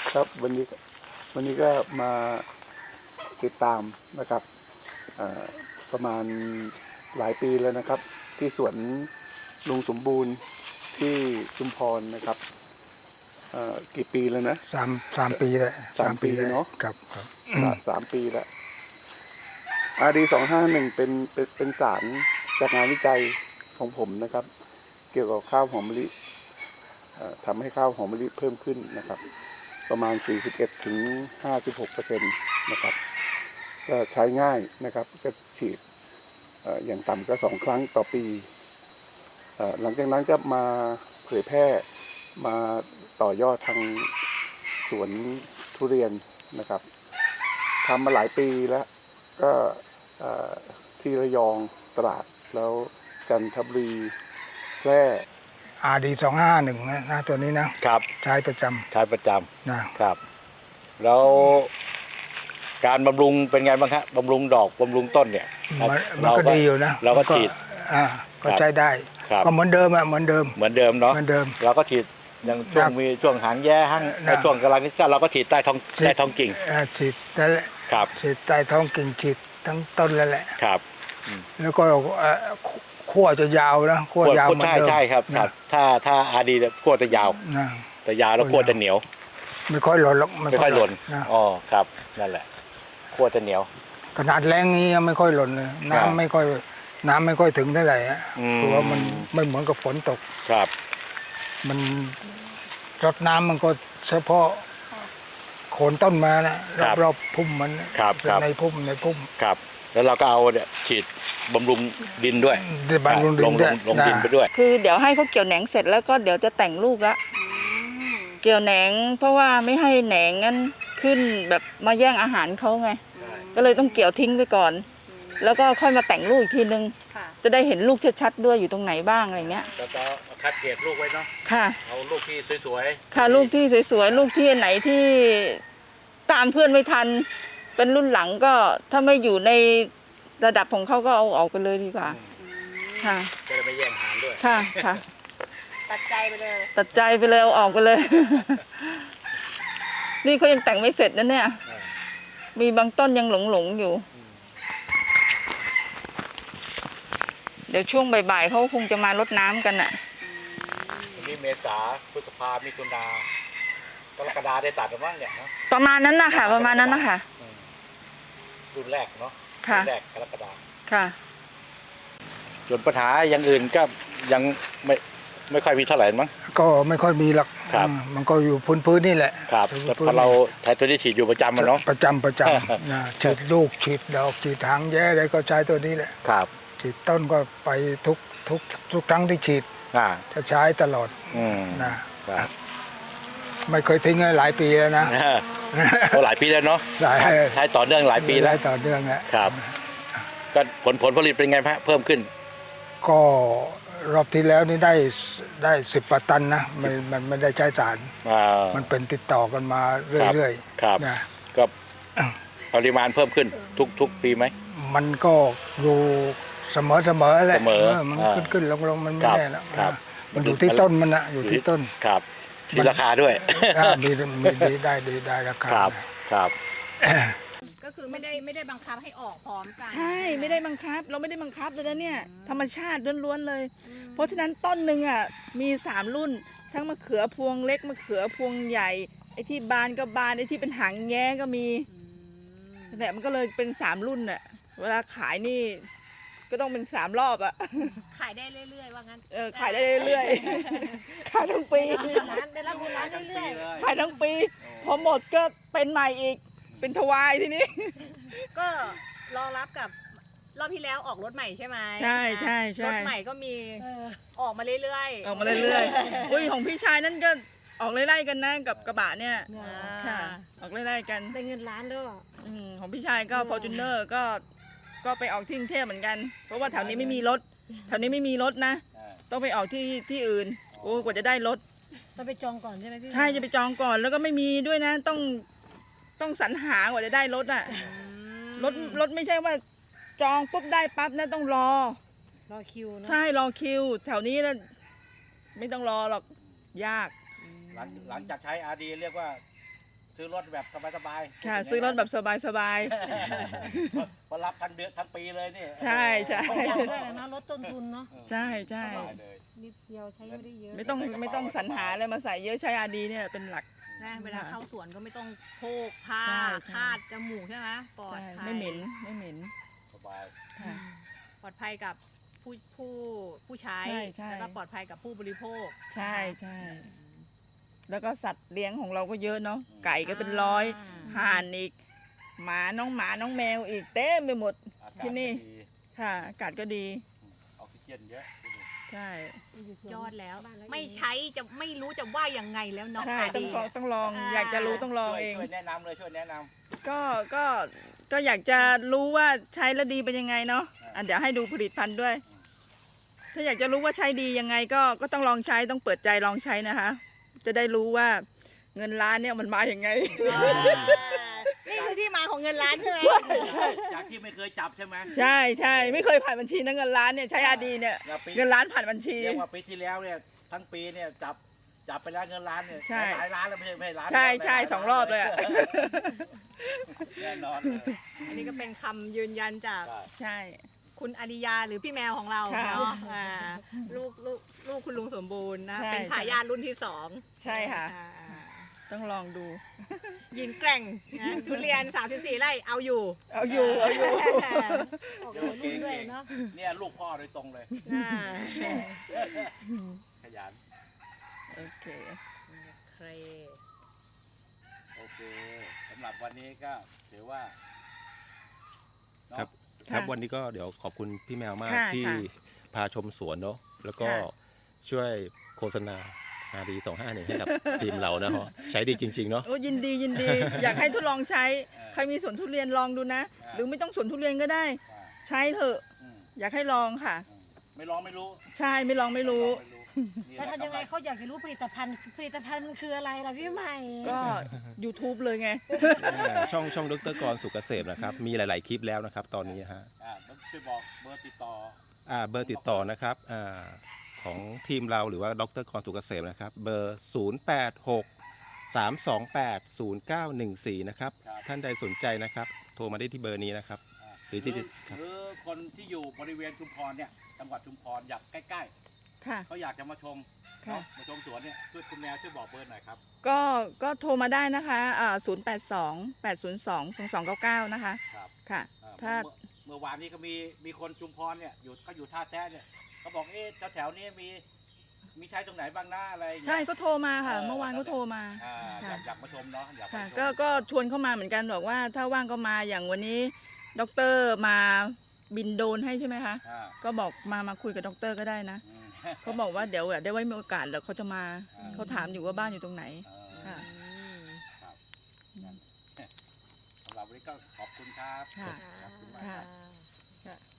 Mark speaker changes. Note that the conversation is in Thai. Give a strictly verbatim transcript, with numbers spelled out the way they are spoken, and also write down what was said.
Speaker 1: ครับวันนี้วันนี้ก็มาติดตามนะครับประมาณหลายปีแล้วนะครับที่สวนลุงสมบูรณ์ที่ชุมพรนะครับกี่ปีแล้วนะ
Speaker 2: สามสามปีแล้ว
Speaker 1: สามปีเนาะ
Speaker 2: ครับครับ
Speaker 1: สามปีแล้วอาดีสองห้าหนึ่งเป็นเป็นเป็นสารจากงานวิจัยของผมนะครับเกี่ยวกับข้าวหอมมะลิทำให้ข้าวหอมมะลิเพิ่มขึ้นนะครับประมาณ สี่สิบเอ็ดถึงห้าสิบหกเปอร์เซ็นต์ นะครับก็ใช้ง่ายนะครับก็ฉีดอย่างต่ำก็สองครั้งต่อปีหลังจากนั้นก็มาเผยแพร่มาต่อยอดทางสวนทุเรียนนะครับทำมาหลายปีแล้วก็ที่ระยองตราดแล้วจันทบุรีแพร่
Speaker 2: อาดีสองห้าหนึ่งนะนะตัวนี้นะครับใช้ประจำ
Speaker 3: ใช้ประจ
Speaker 2: ำ
Speaker 3: นะครับแล้วการบำรุงเป็นไงบ้างครับบำรุงดอกบำรุงต้นเนี่ย
Speaker 2: มันก็ดีอยู่นะ
Speaker 3: เราก็ฉีด
Speaker 2: อ่าก็ใช้ได้ก็เหมือนเดิมอ่ะเหมือนเดิม
Speaker 3: เหมือนเดิมเนาะ
Speaker 2: เหมือนเดิม
Speaker 3: เราก็ฉีดยังช่วงมีช่วงหางแย่ห้างในช่วงกำลังนี้ก็เราก็ฉีดใต้ท้องใต้ท้องกิ่ง
Speaker 2: ฉีดนั่นแหละ
Speaker 3: ครับ
Speaker 2: ฉีดใต้ท้องกิ่งฉีดทั้งต้นแล้วแหละ
Speaker 3: ครับ
Speaker 2: แล้วก็ขั้วจะยาวนะขั้วยาวเหมือนเดิม
Speaker 3: ใช่ใช่ครับถ้าถ้าอาดีขั้วจะยาวแต่ยาวแล้วขั้วจะเหนียว
Speaker 2: ไม่ค่อยหล่นหรอก
Speaker 3: ไม่ค่อยหล่นอ๋อครับนั่นแหละขั้วจะเหนียว
Speaker 2: ขนาดแรงนี้ยังไม่ค่อยหล่นเลยน้ำไม่ค่อยน้ำไม่ค่อยถึงเท่าไหร่เพราะว่ามันไม่เหมือนกับฝนตก
Speaker 3: ครับ
Speaker 2: มันรดน้ำมันก็เฉพาะโคนต้นมานะรอบๆพุ่มมันในพุ่มในพุ่ม
Speaker 3: ครับแล้วเราก็เอาเนี่ยฉีดบำรุงดินด้วย
Speaker 2: บำรุงดินด้วย
Speaker 3: ลงดินไปด้วย
Speaker 4: คือเดี๋ยวให้เขาเกี่ยวแหนงเสร็จแล้วก็เดี๋ยวจะแต่งลูกละเกี่ยวแหนงเพราะว่าไม่ให้แหนงนั้นขึ้นแบบมาแย่งอาหารเขาไงก็เลยต้องเกี่ยวทิ้งไปก่อนแล้วก็ค่อยมาแต่งลูกอีกทีนึงจะได้เห็นลูกชัดๆด้วยอยู่ตรงไหนบ้างอะไรเงี้ย
Speaker 3: แล้วก็คัดเกรดลูกไว้เนาะ
Speaker 4: ค่ะ
Speaker 3: เอาลูกที่สวย
Speaker 4: ๆค่ะลูกที่สวยๆลูกที่ไหนที่ตามเพื่อนไม่ทันเป็นรุ่นหลังก็ถ้าไม่อยู่ในระดับของเขาก็เอาออกไปเลยดีกว่าค่ะ
Speaker 3: จะได้ไม่แย่งอาหารด้วย
Speaker 4: ค่ะค่ะ
Speaker 5: ตัดใจไปเลย
Speaker 4: ตัดใจไปเลยเอาออกไปเลยนี่เขายังแต่งไม่เสร็จนะเนี่ยมีบางต้นยังหลงๆอยู่เดี๋ยวช่วงบ่ายๆเขาคงจะมารดน้ำกันอ่ะ
Speaker 3: นี่เมษาพฤษภามิถุนากรกฎาได้ตัดหรือมั้งเนี่ยนะ
Speaker 4: ประมาณนั้นนะคะประมาณนั้นนะคะ
Speaker 3: รุ่นแรกเนาะ
Speaker 4: รุ่น
Speaker 3: แรกกรกฎา
Speaker 4: ค่ะ
Speaker 3: ส่วนปัญหาอย่างอื่นก็ยังไม่ไม่ค่อยมีเท่าไหร่มั้ง
Speaker 2: ก็ไม่ค่อยมีหรอกมันก็อยู่พื้นๆนี่แหละ
Speaker 3: ครับแต่พอเราใช้ตัวนี้ฉีดอยู่ประจำมันเนาะ
Speaker 2: ประจำประจำนะฉีดลูกฉีดดอกฉีดหางแย่อะไรก็ใช้ตัวนี้แหละ
Speaker 3: ครับ
Speaker 2: ฉีดต้นก็ไปทุกทุกทุกครั้งที่ฉีดจะใช้ตลอดนะไม่เคยทิ้งเลยหลายปีแล้วนะ
Speaker 3: หลายปีแล้วเนาะใช้ต่อเนื่องหลายปีแล้ว
Speaker 2: ต่อเนื่องแล้ว
Speaker 3: ครับก็ผลผลผลิตเป็นไงฮะเพิ่มขึ้น
Speaker 2: ก็รอบที่แล้วนี่ได้ได้สิบฝาตันนะมันมันไม่ได้ใช้สารมันเป็นติดต่อกันมาเรื่อย
Speaker 3: ๆครับนะก็ปริมาณเพิ่มขึ้นทุกทุกปีไหม
Speaker 2: มันก็อยู่เสมอเสมอแหละมันขึ้นขึ้นลงลงมันไม่แน่แล้วมันอยู่ที่ต้นมันนะอยู่ที่ต้น
Speaker 3: ครับมีราคาด้วย
Speaker 2: มีมีได้ดีได้ราคา
Speaker 3: ครับครับ
Speaker 5: ก็คือไม่ได้ไม่ได้บังคับให้ออกพร้อมกัน
Speaker 4: ใช่ไม่ได้บังคับเราไม่ได้บังคับเลยนะเนี่ยธรรมชาติล้วนๆเลยเพราะฉะนั้นต้นหนึ่งอ่ะมีสามรุ่นทั้งมะเขือพวงเล็กมะเขือพวงใหญ่ไอ้ที่บานก็บานไอ้ที่เป็นหางแย้ก็มีเนี่ยมันก็เลยเป็นสามรุ่นอ่ะเวลาขายนี่ก็ต้องเป็นสามรอบอ่ะ
Speaker 5: ขายได้เรื่อยๆว่างั้น
Speaker 4: เออขายได้เรื่อยๆขายทั้งปี
Speaker 5: ได้รับเงินล้านเรื่อย
Speaker 4: ๆขายทั้งปีพอหมดก็เป็นใหม่อีกเป็นทวายทีนี้
Speaker 5: ก็รอรับกับรอบที่แล้วออกรถใหม่ใช่ไหม
Speaker 4: ใช่ใช่ใช่
Speaker 5: รถใหม่ก็มีออกมาเรื่อย
Speaker 4: ๆออกมาเรื่อยๆอุ้ยของพี่ชายนั่นก็ออกไล่ๆกันนะกับกระบะเนี่ยค่ะออกไล่ๆกัน
Speaker 5: ได้เงินล้านด้วย
Speaker 4: ของพี่ชายก็ฟอร์จูเนอร์ก็ก็ไปออกที่กรุงเทพเหมือนกันเพราะว่าแถวนี้ไม่มีรถแถวนี้ไม่มีรถนะต้องไปออกที่ที่อื่นโอ้กว่าจะได้รถ
Speaker 5: ต้องไปจองก่อนใช่ไหมพี่
Speaker 4: ใช่จะไปจองก่อนแล้วก็ไม่มีด้วยนะต้องต้องสรรหากว่าจะได้รถอ่ะรถรถไม่ใช่ว่าจองปุ๊บได้ปั๊บนะต้องรอ
Speaker 5: รอคิวนะ
Speaker 4: ใช่รอคิวแถวนี้นะไม่ต้องรอหรอกยาก
Speaker 3: หลังหลังจากใช้อาร์ดีเรียกว่าซื้อรถแบบสบายๆ
Speaker 4: ค่ะ ซื้อรถแบบสบาย
Speaker 3: พอรับทั้งเดือนทั้งปีเลยนี่
Speaker 4: ใช่ใช่
Speaker 6: ประหยัดด้วยนะลดต้นทุนเนาะ
Speaker 4: ๆ ใช่ใช่
Speaker 3: สบายเลย
Speaker 6: นิดเดียวใช้ไม่ได้เยอะ
Speaker 4: ไม่ต้องไม่ต้องสรรหาอะไรมาใส่เยอะใช้อาดีเนี่ยเป็นหลัก
Speaker 5: นะเวลาเข้าสวนก็ไม่ต้องโพกผ้า
Speaker 4: ใช่ใช่
Speaker 5: คาดจมูกใช่ไหมปลอด
Speaker 4: ใช่
Speaker 5: ภัย
Speaker 4: ไม่เหม็นไม่เหม็น
Speaker 3: สบาย
Speaker 4: ค่ะ
Speaker 5: ปลอดภัยกับผู้ผู้ผู้ใช้
Speaker 4: ใช่ใช่
Speaker 5: แล้วก็ปลอดภัยกับผู้บริโภค
Speaker 4: ใช่ใช่แล้วก็สัตว์เลี้ยงของเราก็เยอะเนาะไก่ก็เป็นร้อย
Speaker 5: อ่า
Speaker 4: ห่านอีกหมาน้องหมาน้องแมวอีกเต็มไปหมด
Speaker 3: อากาศ
Speaker 4: ที่นี่
Speaker 3: ดี
Speaker 4: ค่ะอากาศก็ดี
Speaker 3: ออกซิเจนเยอะที่นี่
Speaker 4: ใช่
Speaker 5: ยอดแล้ว ไม่ใช้จะไม่รู้จะว่ายังไงแล้วเนาะ
Speaker 4: ใช่
Speaker 5: อา
Speaker 4: ต้อ
Speaker 5: ดี
Speaker 4: งลองต้องลอง
Speaker 5: อ่า
Speaker 4: อยากจะรู้ต้องลอง
Speaker 3: ช่วย
Speaker 4: เอง
Speaker 3: ช่วยแนะนำเลยช่วยแนะนำ
Speaker 4: ก็ก็ก็อยากจะรู้ว่าใช้แล้วดีเป็นยังไงเนาะอ่ะเดี๋ยวให้ดูผลิตภัณฑ์ด้วย ถ้าอยากจะรู้ว่าใช้ดียังไงก็ก็ต้องลองใช้ต้องเปิดใจลองใช้นะคะ จะได้รู้ว่าเงินล้านเนี่ยมันมาอย่างไง
Speaker 5: อ่านี่คือที่มาของเงินล้านใช่ไหม
Speaker 3: จากที่ไม่เคยจับใช่ไหม
Speaker 4: ใช่ใช่ไม่เคยผ่านบัญชีนะเงินล้านเนี่ยใช้อาดีเนี่ย
Speaker 3: แล้วปี
Speaker 4: เงินล้านผ่านบัญชี
Speaker 3: เรียกว่าปีที่แล้วเนี่ยทั้งปีเนี่ยจับจับไปแล้วเงินล้านเนี่ย
Speaker 4: ใช่
Speaker 3: หลายล้านแล้วไม่ใช่ไม่ใช่ล้าน
Speaker 4: ใช่
Speaker 3: เดียว
Speaker 4: ใช่
Speaker 3: หลาย
Speaker 4: สองรอบเลยอะ
Speaker 3: แน่นอนเลย
Speaker 5: อันนี้ก็เป็นคำยืนยันจาก
Speaker 3: ใช่
Speaker 4: ใช่
Speaker 5: คุณอาริยาหรือพี่แมวของเรา
Speaker 4: ค่ะ
Speaker 5: เนาะอ่าลูกลูกลูกคุณลุงสมบูรณ์นะ
Speaker 4: ใช่
Speaker 5: เป็นทายาทรุ่นที่สอง
Speaker 4: ใช่ค่ะ
Speaker 5: อ่า
Speaker 4: ต้องลองดู
Speaker 5: ยิงแกร่งนะทุเรียนสามสิบสี่ไร่เอาอยู่
Speaker 4: เอาอยู่เอาอยู่
Speaker 6: ออกหัวรุ่นด้วยเนาะ
Speaker 3: เนี่ยลูกพ่อโดยตรงเลย
Speaker 5: อ่า
Speaker 3: ขยัน
Speaker 4: โอเค
Speaker 5: เคร
Speaker 3: โอเคสำหรับวันนี้ก็ถือว่าเนอะ
Speaker 7: ครับ
Speaker 4: ค่ะ
Speaker 7: ครับวันนี้ก็เดี๋ยวขอบคุณพี่แมวมาก
Speaker 4: ค่ะ
Speaker 7: ที่
Speaker 4: ค่ะ
Speaker 7: พาชมสวนเนาะแล้วก็
Speaker 4: ค่ะ
Speaker 7: ช่วยโฆษณาอาดีสองห้าหนึ่งให้กับทีมเรานะฮะใช้ดีจริง ๆ เนาะ
Speaker 4: โอ้ยินดียินดี อยากให้ทดลองใช้ ใครมีสวนทุเรียนลองดูนะ หรือไม่ต้องสวนทุเรียนก็ได้
Speaker 3: อ่า
Speaker 4: ใช้เถอะ
Speaker 3: อืม
Speaker 4: อยากให้ลองค่ะ
Speaker 3: อืมไม่ลองไม่รู้
Speaker 4: ใช่ไม่ลองไม่รู้
Speaker 3: ไม่รู้นี่
Speaker 6: แล้ว
Speaker 3: แหละ
Speaker 6: ทำยังไงเขาอยากจะรู้ผลิตภัณฑ์ผลิตภัณฑ์มันคืออะไรล่ะพี่ใหม่
Speaker 4: ก็ YouTube เลยไง
Speaker 7: ช่องช่องดรกรสุกเกษมนะครับมีหลาย ๆ คลิปแล้วนะครับ ตอนนี้ฮะ
Speaker 3: อ่าต้องช่วยบอกเบอร์ติดต่อ
Speaker 7: อ่าเบอร์ติดต่อนะครับอ่าของทีมเราหรือว่าดรกรสุกเกษมนะครับเบอร์ ศูนย์ แปด หก สาม สอง แปด ศูนย์ เก้า หนึ่ง สี่ นะครับ
Speaker 3: ครับ
Speaker 7: ท่านใดสนใจนะครับโทรมาได้ที่เบอร์นี้นะครับ
Speaker 3: อ่า
Speaker 7: หรือที่
Speaker 3: หรือ
Speaker 7: ครับ
Speaker 3: หรือคนที่อยู่บริเวณชุมพรเนี่ยจังหวัดชุมพรอยากใกล้
Speaker 4: ค่ะ
Speaker 3: ๆเขาอยากจะมาชม
Speaker 4: ค่ะ
Speaker 3: เนอะมาชมสวนเนี่ยช่วยคุณแมวช่วยบอกเบอร์หน่อยครับ
Speaker 4: ก็ก็โทรมาได้นะคะอ่าศูนย์แปดสองแปดศูนย์สองสองสองเก้าเก้านะคะ
Speaker 3: ครับ
Speaker 4: ค่ะ
Speaker 3: อ่า
Speaker 4: ถ้า
Speaker 3: เมื่อเมื่อวานนี้ก็มีมีคนชุมพรเนี่ยอยู่ก็อยู่ท่าแท้เนี่ยเขาบอกเอ๊ะแถวๆนี้มีมีใช้ตรงไหนบ้างหน้าอะไรอย่างเงี้ย
Speaker 4: ใช่ก็โทรมาค่ะ
Speaker 3: เออ
Speaker 4: เมื่อวานก็โทรมา
Speaker 3: อ่าอ
Speaker 4: ค่ะ
Speaker 3: ยากอยากมาชมเนาะอยากมา
Speaker 4: ค่ะ
Speaker 3: ชม
Speaker 4: ก็ก็ชวนเข้ามาเหมือนกันบอกว่าถ้าว่างก็มาอย่างวันนี้ด็อกเตอร์มาบินโดรนให้ใช่ไหมคะ
Speaker 3: อ่า
Speaker 4: ก็บอกมามาคุยกับด็อกเตอร์ก็ได้นะ
Speaker 3: อืม
Speaker 4: เขาบอกว่าเดี๋ยวได้ไว้มีโอกาสแล้วเขาจะมา
Speaker 3: อ่า
Speaker 4: เขาถามอยู่ว่าบ้านอยู่ตรงไหน
Speaker 3: อ่า
Speaker 4: ค่ะ
Speaker 3: ครับนั่นสำหรับวันนี้ก็ขอบคุณครับ
Speaker 4: ค่ะ
Speaker 3: ขอบคุณมาก
Speaker 4: ค่ะ
Speaker 3: ครับ
Speaker 4: ค่ะ